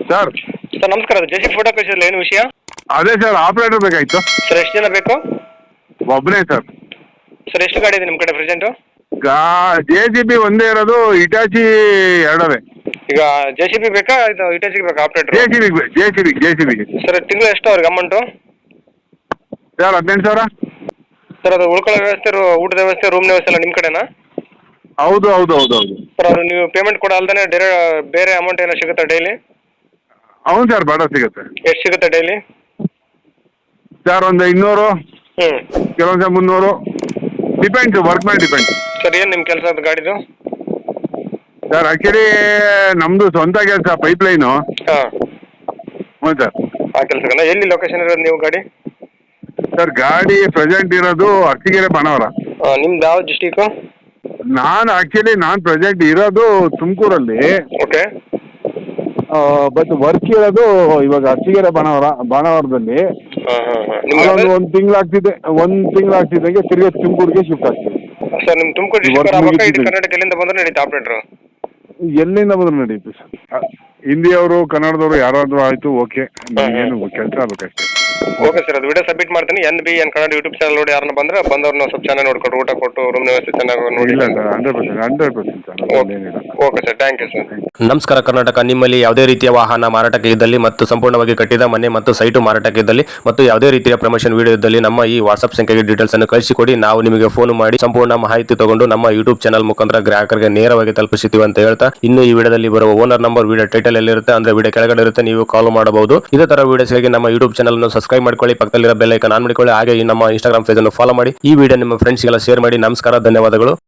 Sir sir ನಮಸ್ಕಾರ, ಅದು JC photo ಕಳಿಸಿದ್ರಲ್ಲ, ಏನು ವಿಷಯ? ಅದೇ ಸರ್ ಆಪರೇಟರ್ ಬೇಕಾಗಿತ್ತು. ಸರ್ ಎಷ್ಟು ಜನ ಬೇಕು? ಒಬ್ಬನೇ ಸರ್. ಸರ್ ಎಷ್ಟು ಗಾಡಿ ಇದೆ ನಿಮ್ಮ ಕಡೆ ಪ್ರೆಸೆಂಟು? JCB ಒಂದೇ ಇರೋದು, ಇಟಾಚಿ ಎರಡವೇ. ಈಗ JCB ಬೇಕಾ ಇದು ಇಟಾಚಿಗೆ ಬೇಕಾ ಆಪ್ರೇಟರ್? JCB. ಸರ್ ತಿಂಗಳು ಎಷ್ಟು ಅವ್ರಿಗೆ ಅಮೌಂಟು? ಸರ್ 18,000. ಸರ್ ಅದು ಉಳ್ಕೊಳ್ಳೋ ವ್ಯವಸ್ಥೆ, ಊಟದ ವ್ಯವಸ್ಥೆ, ರೂಮ್ ವ್ಯವಸ್ಥೆ ಎಲ್ಲ ನಿಮ್ಮ ಕಡೆನಾ? ಹೌದು. ಸರ್ ಅದು ನೀವು ಪೇಮೆಂಟ್ ಕೂಡ ಅಲ್ದೇ ಬೇರೆ ಅಮೌಂಟ್ ಏನೋ ಸಿಗುತ್ತಾ ಡೈಲಿ? అవును ಸರ್, ಬಾಡ ಸಿಗುತ್ತೆ. ಎಷ್ಟು ಸಿಗುತ್ತೆ ಡೈಲಿ? ಸರ್ ಒಂದು 200, ಹ್ಞೂ, ಕೆಲವೊಂದು 300, ಡಿಪೆಂಡ್ಸ್, ವರ್ಕ್ ಮೇಲೆ ಡಿಪೆಂಡ್. ಸರ್ ಏನು ನಿಮ್ಮ ಕೆಲಸ ಅದು ಗಾಡಿದು? ಸರ್ ಆ್ಯಕ್ಚುಲಿ ನಮ್ಮದು ಸ್ವಂತ ಕೆಲಸ, ಪೈಪ್ಲೈನು. ಹಾಂ, ಹ್ಞೂ ಸರ್. ಆ ಕೆಲಸನ ಎಲ್ಲಿ ಲೊಕೇಶನ್ ಇರೋದು ನೀವು ಗಾಡಿ? ಸರ್ ಗಾಡಿ ಪ್ರೆಸೆಂಟ್ ಇರೋದು ಅರಸೀಕೆರೆ ಬಾಣವರ. ನಿಮ್ದು ಯಾವ ಡಿಸ್ಟಿಕು? ನಾನು ಪ್ರೆಸೆಂಟ್ ಇರೋದು ತುಮಕೂರಲ್ಲಿ. ಓಕೆ. ಬಟ್ ವರ್ಕ್ ಇರೋದು ಇವಾಗ ಅರಸೀಕೆರೆ ಬಾಣವರದಲ್ಲಿ. ಒಂದು ತಿಂಗಳಾಗ್ತಿದ್ದಂಗೆ ತಿರ್ಗಿ ತುಮಕೂರಿಗೆ ಶಿಫ್ಟ್ ಆಗ್ತೀವಿ. ಸರ್ ನಿಮ್ಮ ತುಮಕೂರು ಡಿಸ್ಟಿಕ್ ಆಗ್ಬೇಕಾ ಇಡೀ ಕರ್ನಾಟಕ ಎಲ್ಲಿಂದ ಬಂದ್ರೆ ನಡೀತಾ ಆಪ್ರೇಟ್ರು? ಎಲ್ಲಿಂದ ಬಂದ್ರು ನಡೀತು ಸರ್. ಹಿಂದಿಯವರು ಕನ್ನಡದವರು ಯಾರಾದರೂ ಆಯಿತು, ಓಕೆ. ಏನು ಕೆಲಸ ಆಗ್ಬೇಕಷ್ಟೇ. ಓಕೆ ಸರ್, ಅದು ವಿಡಿಯೋ ಸಬ್ಮಿಟ್ ಮಾಡ್ತೀನಿ. NBN ಕನ್ನಡ ಯೂಟ್ಯೂಬ್ ಚಾನಲ್ ನೋಡಿ ಯಾರನ್ನ ಬಂದ್ರೆ ಬಂದವ್ರನ್ನ ಸ್ವಲ್ಪ ಚೆನ್ನಾಗಿ ನೋಡ್ಕೊಂಡು ಊಟ ಕೊಟ್ಟು ರೂಮ್ ವ್ಯವಸ್ಥೆ ಚೆನ್ನಾಗಿ ನೋಡಿ. ಇಲ್ಲ sir, 100% sir. Okay sir, thank you sir. ನಮಸ್ಕಾರ ಕರ್ನಾಟಕ. ನಿಮ್ಮಲ್ಲಿ ಯಾವುದೇ ರೀತಿಯ ವಾಹನ ಮಾರಾಟಕ್ಕೆ ಇದ್ದಲ್ಲಿ ಮತ್ತು ಸಂಪೂರ್ಣವಾಗಿ ಕಟ್ಟಿದ ಮನೆ ಮತ್ತು ಸೈಟು ಮಾರಾಟಕ್ಕೆ ಇದ್ದಲ್ಲಿ ಮತ್ತು ಯಾವುದೇ ರೀತಿಯ ಪ್ರಮೋಷನ್ ವಿಡಿಯೋ ಇದ್ದಲ್ಲಿ ನಮ್ಮ ಈ ವಾಟ್ಸ್ಆಪ್ ಸಂಖ್ಯೆಗೆ ಡೀಟೇಲ್ಸ್ ಅನ್ನು ಕಳಿಸಿಕೊಡಿ. ನಾವು ನಿಮಗೆ ಫೋನ್ ಮಾಡಿ ಸಂಪೂರ್ಣ ಮಾಹಿತಿ ತಗೊಂಡು ನಮ್ಮ ಯೂಟ್ಯೂಬ್ ಚಾನಲ್ ಮುಖಾಂತರ ಗ್ರಾಹಕರಿಗೆ ನೇರವಾಗಿ ತಲುಪಿಸುತ್ತೀವಿ ಅಂತ ಹೇಳ್ತಾ, ಇನ್ನು ಈ ವಿಡಿಯೋದಲ್ಲಿ ಬರುವ ಓನರ್ ನಂಬರ್ ವಿಡಿಯೋ ಟೈಟಲ್ ಎಲ್ಲಿರುತ್ತೆ ಅಂದ್ರೆ ವಿಡಿಯೋ ಕೆಳಗಡೆ ಇರುತ್ತೆ, ನೀವು ಕಾಲ್ ಮಾಡಬಹುದು. ಇದೇ ತರ ವಿಡಿಯೋಸ್ಗಾಗಿ ನಮ್ಮ ಯೂಟ್ಯೂಬ್ ಚಾನಲ್ ಅನ್ನು ಸಬ್ಸ್ಕ್ರೈಬ್ ಮಾಡ್ಕೊಳ್ಳಿ, ಪಕ್ಕದಲ್ಲಿರೋ ಬೆಲ್ ಐಕಾನ್ ಆನ್ ಮಾಡಿಕೊಳ್ಳಿ. ಹಾಗೆ ಈ ನಮ್ಮ ಇನ್ಸ್ಟಾಗ್ರಾಮ್ ಪೇಜ್ ಅನ್ನು ಫಾಲೋ ಮಾಡಿ. ಈ ವಿಡಿಯೋ ನಿಮ್ಮ ಫ್ರೆಂಡ್ಸ್ಗೆಲ್ಲ ಶೇರ್ ಮಾಡಿ. ನಮಸ್ಕಾರ, ಧನ್ಯವಾದಗಳು.